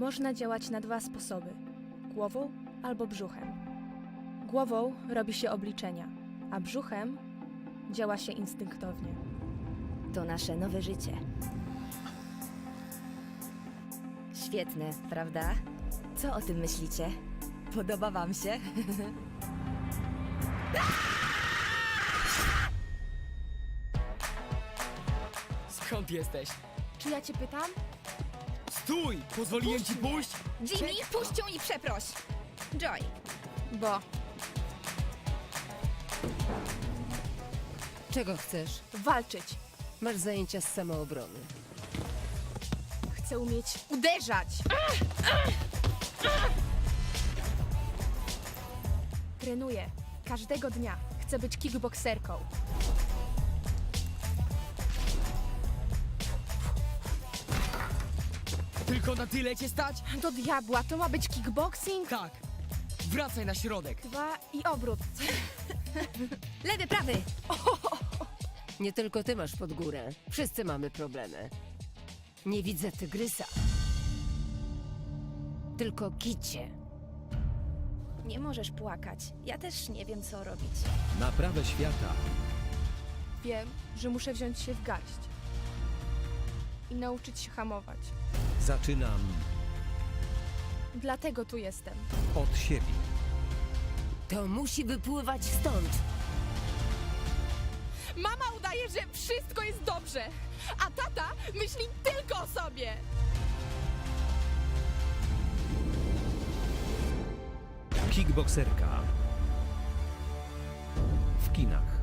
Można działać na dwa sposoby: głową albo brzuchem. Głową robi się obliczenia, a brzuchem działa się instynktownie. To nasze nowe życie. Świetne, prawda? Co o tym myślicie? Podoba wam się? Skąd jesteś? Czy ja cię pytam? Stój! Pozwoliłem ci pójść? Jimmy, puść ją i przeproś! Joy, Bo Czego chcesz? walczyć. Masz zajęcia z samoobrony. Chcę umieć uderzać. Trenuję. Każdego dnia. Chcę być kickbokserką. Tylko na tyle cię stać? Do diabła, to ma być kickboxing? Tak. Wracaj na środek. 2 i obrót. lewy, prawy! Nie tylko ty masz pod górę. Wszyscy mamy problemy. Nie widzę tygrysa. Tylko kicie. Nie możesz płakać. Ja też nie wiem, co robić. Naprawę świata. Wiem, że muszę wziąć się w garść. I nauczyć się hamować. Zaczynam Dlatego tu jestem. od siebie. To musi wypływać stąd. Mama udaje, że wszystko jest dobrze, a tata myśli tylko o sobie. Kickbokserka. W kinach.